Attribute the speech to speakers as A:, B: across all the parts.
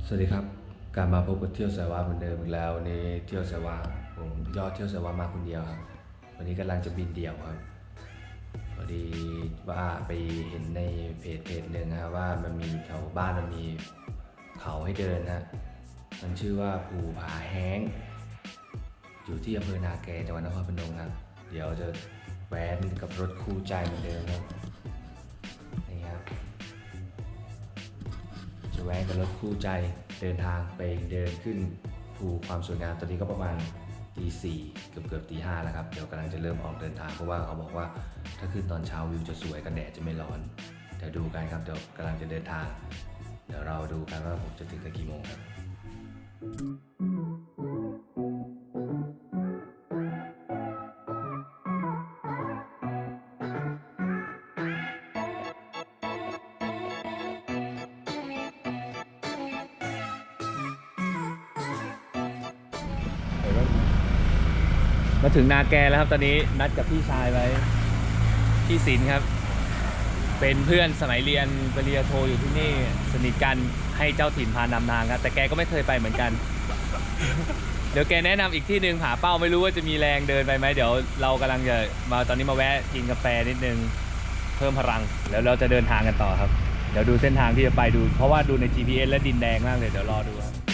A: สวัสดีครับกลับมาพบกับเที่ยวสายวาเหมือนเดิมอีกแล้ววันนี้เที่ยวสายวาผมยอดเที่ยวสายวามาคนเดียวครับวันนี้กำลังจะบินเดี่ยวครับพอดีว่าไปเห็นในเพจหนึ่งนะว่ามันมีแถวบ้านมันมีเขาให้เดินนะมันชื่อว่าภูผาแห้งอยู่ที่อำเภอนาแกจังหวัดนครพนมครับเดี๋ยวจะแว้นกับรถคู่ใจเหมือนเดิมครับนี่ครับจะแว้นกับรถคู่ใจเดินทางไปเดินขึ้นภูความสวยงามตอนนี้ก็ประมาณตี 4เกือบตี 5แล้วครับเดี๋ยวกำลังจะเริ่มออกเดินทางเพราะว่าเขาบอกว่าถ้าขึ้นตอนเช้าวิวจะสวยกันแดดจะไม่ร้อนเดี๋ยวดูกันครับเดี๋ยวกำลังจะเดินทางเดี๋ยวเราดูกันว่าผมจะถึงกันกี่โมงครับมาถึงนาแกแล้วครับตอนนี้นัดกับพี่ชายไว้พี่ศิลป์ครับเป็นเพื่อนสมัยเรียนปริญญาโทอยู่ที่นี่สนิทกันให้เจ้าถิ่นพานำทางครับแต่แกก็ไม่เคยไปเหมือนกัน เดี๋ยวแกแนะนำอีกที่หนึ่งผาเป้าไม่รู้ว่าจะมีแรงเดินไปไหมเดี๋ยวเรากำลังจะมาตอนนี้มาแวะกินกาแฟนิดนึงเพิ่มพลังแล้วเราจะเดินทางกันต่อครับเดี๋ยวดูเส้นทางที่จะไปดูเพราะว่าดูใน GPS และดินแดงมากเลยเดี๋ยวรอดูครับ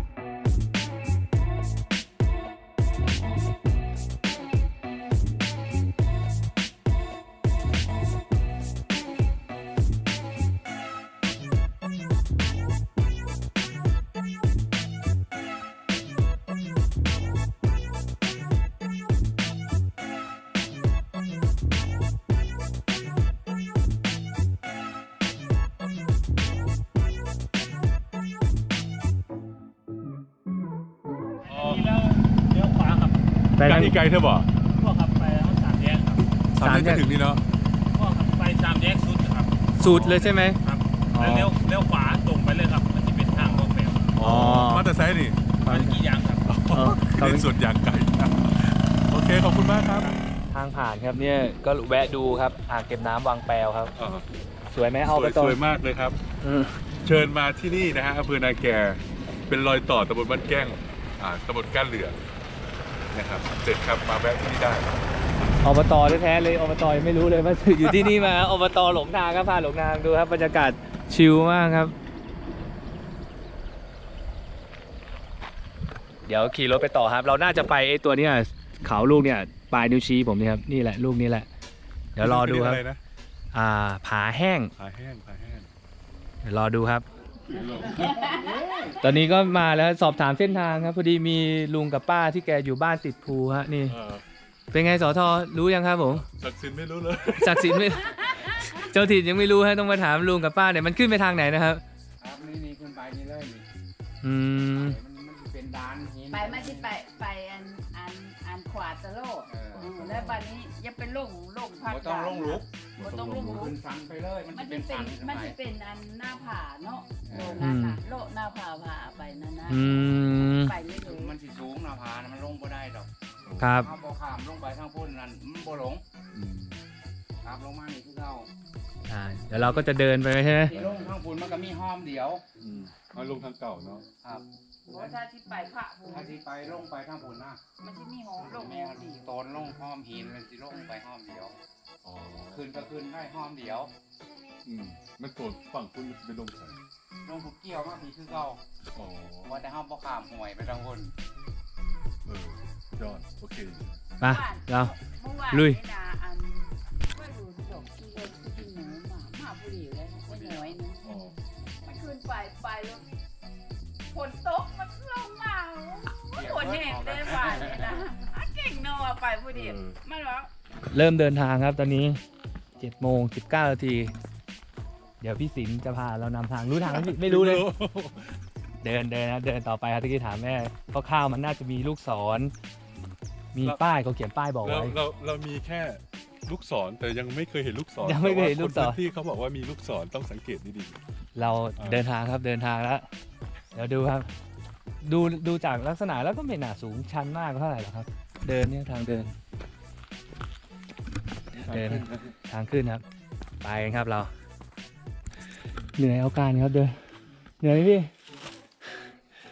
B: แล้วเลี้ยวขวาครับ
A: ไปทาง
C: อีกไกลเธอบอก
B: พวกขับไปแล้วสามแยกครับ
C: สามแยกจะถึงนี่เนาะ
B: พวกขับไปสามแยกสุดครับ
A: สูตรเลยใช่ไหม
B: ครับแล้วเลี้ยวขวาตรงไปเลยครับมันจะเป็นทางรถไฟ
A: อ๋อ
C: มาแต่ไซส์นี่
B: มันกี่อย่างครับ
C: เป็นส่วนอย่างไกลนะโอเคขอบคุณมากครับ
A: ทางผ่านครับเนี่ยก็แวะดูครับอ่างเก็บน้ำวังแปวครับ
C: อ่า
A: สวยไหม
C: ส
A: เอาไป
C: วย
A: ต่อ
C: สวยมากเลยครับ เชิญมาที่นี่นะฮะอำเภอนาแกเป็นรอยต่อตำบลบ้านแก้งตำบลก้านเหลืองนะครับเสร็จครับมาแวะที่นี่ได้
A: อบตแท้ๆเลยอบตยังไม่รู้เลยว่าอยู่ที่นี่มาอบตหลงทางครับพาหลงทางดูครับบรรยากาศชิลมากครับ เดี๋ยวขี่รถไปต่อครับ เราน่าจะไปไอ้ตัวเนี้ยเขาลูกเนี่ยปลายนิ้วชี้ผมนี่ครับนี่แหละลูกนี้แหละ เดี๋ยวรอดูครับ
C: ะไนะ
A: ผาแห้ง
C: ผาแห้งผาแห้ง
A: เดี๋ยวรอดูครับ ตอนนี้ก็มาแล้วสอบถามเส้นทางครับพอดีมีลุงกับป้าที่แกอยู่บ้านติดภูฮะนี่ เป็นไงสอทอรู้ยังครับผม
C: ศักดิ์สิทธิ์ไม่รู้เลย
A: ศักดิ์สิทธิ์ไม่ เจ้าถิ่นยังไม่รู้ฮะต้องมาถามลุงกับป้าเนี่ยมันขึ้นไปทางไหนนะครับ
D: ครับนี่ขึ้นไปนี่เลยนี่
A: อืม
D: มันจะเป็นดานหิน
E: ไปไม่ใช่ไปอันขวาตะโลด แล้วบัดนี้อย่าเป็นลงพัก
D: บ่ต้องลงลุก
E: บ่ต้องลงลุ
D: ขึ้
E: ก
D: นสันไปเลย มัน
E: มั
D: จะ
E: น
D: เป็
E: จะ
D: น
E: เป็
D: สั
E: น
D: น
E: มันจะเป็นอันหน้าผาเนาะโลนั้นน่ะโลหน้าผาไปนั่นนะ
A: อืม
E: ไปไม่ถึง
D: มันสิสูงหน้าผานะมันลงบ่ได้ดอก
A: ครับ
D: เอาบ่ข้ามลงไปทางพุ่นนั่นมันบ่หลงครับลงมานี่คือเรา
A: เดี๋ยวเราก็จะเดินไปใช่ไหม
D: ที่ลงทางพุ่นมันก็มีห้อมเดียว
C: มาลงทางเก่าเนาะ
D: ครับ
E: เพราะถ้าที่ไปพระภู
D: ถ้าสิไปลงไปทางพุ่นนะ
E: มันจะมีหอลง
D: แม่สิโตนลงห้อมหินเลยสิลงไปห้อมเดียว
C: อ๋อ
D: ขึ้นก็ขึ้นได้ห้อมเดียว
C: มันโซนฝั่งคุณมันจะเป็นลงใส่
D: ลงทุกเกี่ยวมาพี่คือเรา
C: อ๋อ
D: ว่าแต่ห้ามบ่ข้ามห่วยไปทางพุ่น
C: ยอดโอเค
A: มาเรา
E: เมื่อวาน
A: ลุย
E: นี่นะอันก็ดูจบที่เลยที่กินหนูมาผู้เดียวเลยไม่น้อยนึง
C: อ๋อ
E: มันขึ้นไปแล้วฝนตกมันลงมาฝนแห้งได้หวานเลยนะเก่งเนอะไปผู้เดียวมันว่า
A: เริ่มเดินทางครับตอนนี้7:19 นาทีเดี๋ยวพี่ศิลป์จะพาเรานำทางรู้ทางไหมพี่ไม่รู้เลย เดินนะเดินต่อไปครับตะกี้ถามแม่คร่าวๆมันน่าจะมีลูกศรมีป้ายเขาเขียนป้ายบอก
C: เรา
A: ไว้
C: เรามีแค่ลูกศรแต่ยังไม่เคยเห็นลูกศร
A: ยังไม่เคยเห็นลูกศร
C: แต่ว่าคนพื้นที่เขาบอกว่ามีลูกศรต้องสังเกตดี
A: เราเดินทางครับเดินทางแล้วเดี๋ยวดูครับ ดูจากลักษณะแล้วก็ไม่น่าสูงชันมากเท่าไหร่หรอกครับ เดินเนี่ยทางเดิน
C: ๆ
A: เดินทางขึ้นครับไปกันครับเรา เหนื่อยเอาการครับเดินเหนื่อยไหมพี่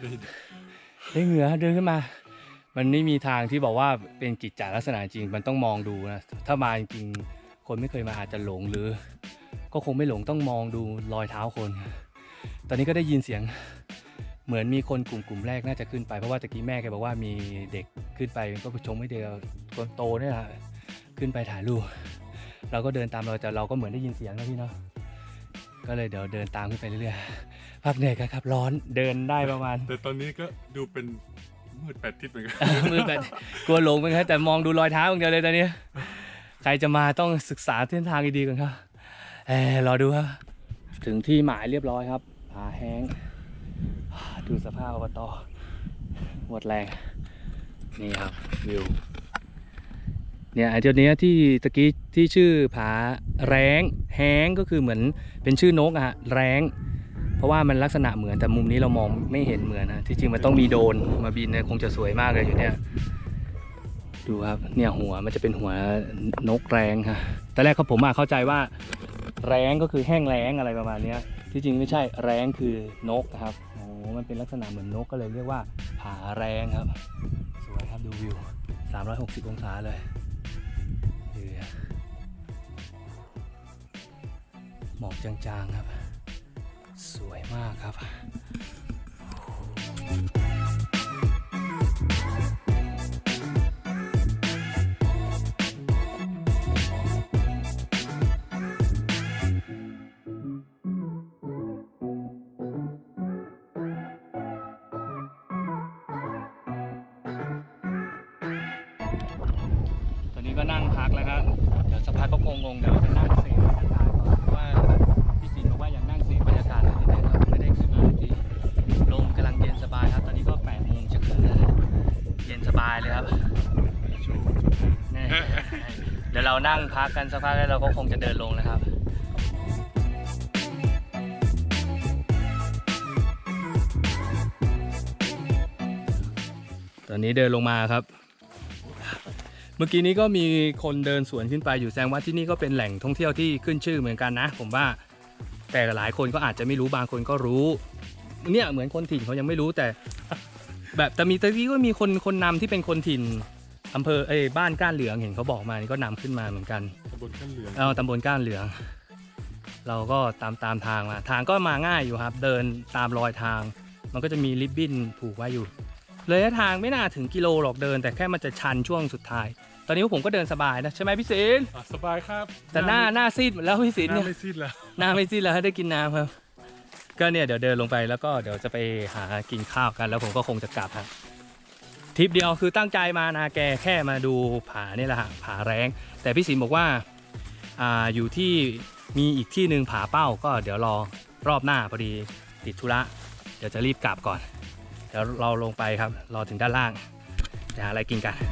A: ได้เหงื่อเดินขึ้นมา มันไม่มีทางที่บอกว่าเป็นกิจจลักษณะจริงมันต้องมองดูนะถ้ามาจริงๆคนไม่เคยมาอาจจะหลงหรือ ก็คงไม่หลงต้องมองดูรอยเท้าคน ตอนนี้ก็ได้ยินเสียงเหมือนมีคนกลุ่มแรกน่าจะขึ้นไปเพราะว่าตะกี้แม่แกบอกว่ามีเด็กขึ้นไปก็ชงไม่เดียวคนโตเนี่ยแหละขึ้นไปถ่ายรูปเราก็เดินตามเราแต่เราก็เหมือนได้ยินเสียงนะพี่เนาะก็เลยเดี๋ยวเดินตามขึ้นไปเรื่อยๆพักเหนื่อยกันครับร้อนเดินได้ประมาณ
C: แต่ตอนนี้ก็ดูเป็นมืดแปดทิศเหมือนกัน
A: มือแบบกลัวหลงเหมือนกันแต่มองดูรอยเท้าอย่างเดียวเลยตอนนี้ใครจะมาต้องศึกษาเส้นทางดีๆก่อนครับรอดูครับถึงที่หมายเรียบร้อยครับผาแห้งดูสภาพอบตหมดแรงนี่ครับวิวเนี่ยไอ้จุดนี้ที่ตะกี้ที่ชื่อผาแรงแห้งก็คือเหมือนเป็นชื่อนกอะฮะแรงเพราะว่ามันลักษณะเหมือนแต่มุมนี้เรามองไม่เห็นเหมือนนะที่จริงมันต้องมีโดรนมาบินเนี่ยคงจะสวยมากเลยอยู่เนี่ยดูครับเนี่ยหัวมันจะเป็นหัวนกแรงครับตอนแรกผมเข้าใจว่าแรงก็คือแห้งแล้งอะไรประมาณนี้ที่จริงไม่ใช่แรงคือนกนะครับโอ้มันเป็นลักษณะเหมือนนกก็เลยเรียกว่าผาแรงครับสวยครับดูวิว360องศาเลยหมอกจางๆครับสวยมากครับตอนนี้ก็นั่งพักแล้วครับเดี๋ยวสักพักก็คงงงเดี๋ยวจะนั่งเสพบรรยากาศก่อนเพราะว่าพี่สินบอกว่าอยากนั่งเสพบรรยากาศที่นี่ครับไม่ได้ขึ้นมาที่ลมกำลังเย็นสบายครับตอนนี้ก็8 โมงจะครึ่งแล้วเย็นสบายเลยครับนี่เดี๋ยวเรานั่งพักกันสักพักแล้วเราก็คงจะเดินลงนะครับตอนนี้เดินลงมาครับเมื่อกี้นี้ก็มีคนเดินสวนขึ้นไปอยู่แสดงว่าที่นี่ก็เป็นแหล่งท่องเที่ยวที่ขึ้นชื่อเหมือนกันนะผมว่าแต่หลายคนก็อาจจะไม่รู้บางคนก็รู้เนี่ยเหมือนคนถิ่นเขายังไม่รู้แต่แบบแต่มีตะกี้ก็มีคนนำที่เป็นคนถิ่นอำเภอบ้านก้านเหลืองเห็นเขาบอกมานี่ก็นำขึ้นมาเหมือนกัน
C: ตำบลก้านเหลือง
A: ตำบลก้านเหลืองเราก็ตามทางมาทางก็มาง่ายอยู่ครับเดินตามรอยทางมันก็จะมีริบบิ้นผูกไว้อยู่ระยะทางไม่น่าถึงกิโลหรอกเดินแต่แค่มันจะชันช่วงสุดท้ายตอนนี้ผมก็เดินสบายนะใช่ไหมพี่ศิลป์
C: สบายครับ
A: แต่หน้าซีดแล้วพี่ศิลป์
C: หน้า
A: เนี่ย
C: ไม่ซีดแล้ว
A: หน้าไม่ซีดแล้วได้กินน้ำครับก็เนี่ยเดี๋ยวเดินลงไปแล้วก็เดี๋ยวจะไปหากินข้าวกันแล้วผมก็คงจะกลับครับทริปเดียวคือตั้งใจมานาแกแค่มาดูผานี่แหละฮะผาแรงแต่พี่ศิลป์บอกว่าอยู่ที่มีอีกที่หนึ่งผาเป้าก็เดี๋ยวรอรอบหน้าพอดีติดธุระเดี๋ยวจะรีบกลับก่อนเดี๋ยวเราลงไปครับรอถึงด้านล่างจะหาอะไรกินกัน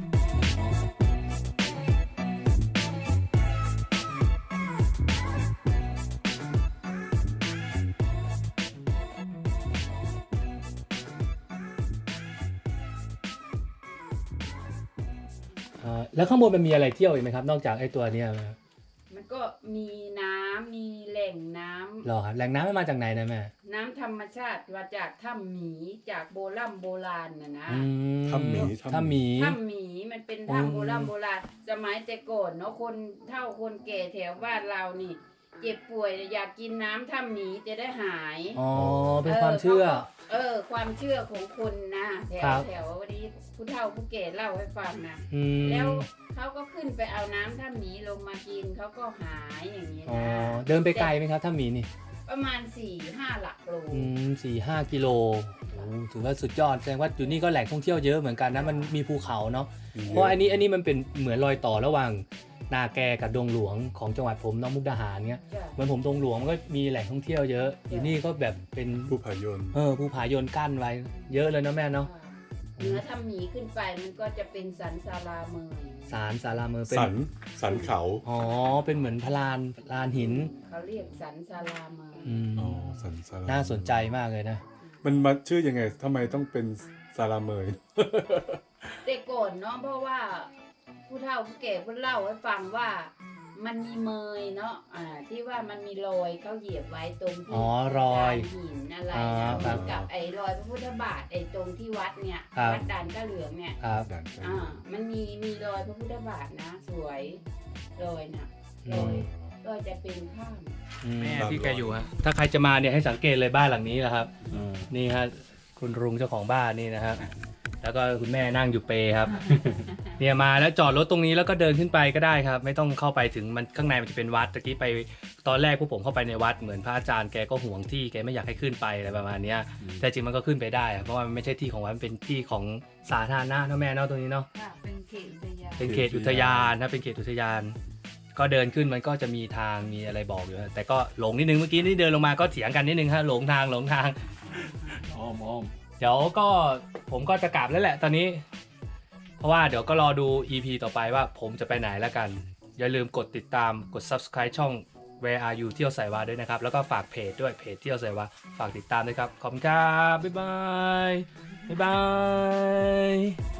A: แล้วข้างบนมันมีอะไรเที่ยวอีกไหมครับนอกจากไอ้ตัวนี้
E: มันก็มีน้ำมีแหล่งน้ำ
A: หรอครับแหล่งน้ำมันมาจากไหนนะแม่
E: น้ำธรรมชาติมาจากถ้ำหมีจากโบราณนะ
C: ถ้ำหมี
E: มันเป็นถ้ำโบราณสมัยแต่ก่อนเนาะคนเฒ่าคนแก่แถวบ้านเรานี่เจ็บป่วยอยากกินน้ำถ้ำหมีจะได้หาย
A: อ๋อเป็นความเชื่อ
E: ความเชื่อของคนนะแถววันนี้ผู้เฒ่าผู้แก่เล่าให้ฟังนะแล้วเขาก็ขึ้นไปเอาน้ำถ้ำหมีลงมากินเขาก็หายอย่างนี้นะ
A: เดินไปไกลไหมครับถ้ำหมีนี่
E: ประมาณ 4-5 หลักโล
A: 4-5 กิโลถือว่าสุดยอดแสดงว่าอยู่นี่ก็แหล่งท่องเที่ยวเยอะเหมือนกันนะมันมีภูเขาเนาะเพราะอันนี้มันเป็นเหมือนรอยต่อระหว่างนาแกกับดงหลวงของจังหวัดผมน้องมุกดาหารเงี้ยเหมือนผมดงหลวงมันก็มีแหล่งท่องเที่ยวเยอะอยู่นี่ก็แบบเป็น
C: ภูผายน
A: ภูผายนกั้นไว้เยอะเลยนะแม่เนาะ
E: เหนือถ้ำหมีขึ้นไปมันก็จะเป็นสันศาลาเมย
A: ศาลาเมยเป็น
C: สันเขา
A: เป็นเหมือนพลานหิน
E: เขาเรียกสันศาลาเมย
C: สันศาลา
A: น่าสนใจมากเลยนะ
C: มันมาชื่อยังไงทำไมต้องเป็นศาลาเมย
E: แต่ก่อนเนาะเพราะว่าผู้เฒ่าผู้แก่เพิ่นเล่าให้ฟังว่ามันมีเมยเนาะที่ว่ามันมีรอยเขาเหยียบไว้ตรงที่
A: อ๋อรอย
E: ด่านหินอะไร
A: อ๋อ
E: นะครับ เหมือน
A: ค
E: กั
A: รั
E: บบ ไอ้รอยพระพุทธบาทไอ้ตรงที่วัดเนี่ย
A: ครับ
E: วัดด่านก้าเหลืองเนี่ย
A: ครับ
C: ด่านใช่
E: มันมีรอยพระพุทธบาทนะ สวยรอยนะ
A: อื
E: ร
A: ม
E: อยจะเป็นข้าง
A: แม่ที่แกอยู่ฮะถ้าใครจะมาเนี่ยให้สังเกตเลยบ้านหลังนี้นะครับ นี่ฮะคุณลุงเจ้าของบ้านนี่นะครับแล้วก็คุณแม่นั่งอยู่เปรครับ เนี่ยมาแล้วจอดรถตรงนี้แล้วก็เดินขึ้นไปก็ได้ครับ ไม่ต้องเข้าไปถึงมันข้างในมันจะเป็นวัดตะกี้ไปตอนแรกพวกผมเข้าไปในวัดเหมือนพระอาจารย์แกก็ห่วงที่แกไม่อยากให้ขึ้นไปอะไรประมาณเนี้ยแต่จริงมันก็ขึ้นไปได้ครับเพราะว่ามันไม่ใช่ที่ของวัดมันเป็นที่ของสาธารณะเนาะแม่เนาะตรงนี้เนาะ
E: ค่ะเป็นเขตอุทยาน
A: เป็นเขตอุทยานนะเป็นเขตอุทยาน ก็เดินขึ้นมันก็จะมีทางมีอะไรบอกอยู่ฮะแต่ก็หลงนิดนึงเมื่อกี้นี่เดินลงมาก็เถียงกันนิดนึงฮะหลงทาง
C: อ้อม
A: เดี๋ยวก็ผมก็จะกลับแล้วแหละตอนนี้ เพราะว่าเดี๋ยวก็รอดู EP ต่อไปว่าผมจะไปไหนแล้วกัน อย่าลืมกดติดตามกด subscribe ช่อง Where Are You เที่ยวไสวาด้วยนะครับ แล้วก็ฝากเพจด้วยเพจเที่ยวไสวาฝากติดตามด้วยครับ ขอบคุณครับ บ๊ายบาย บ๊ายบาย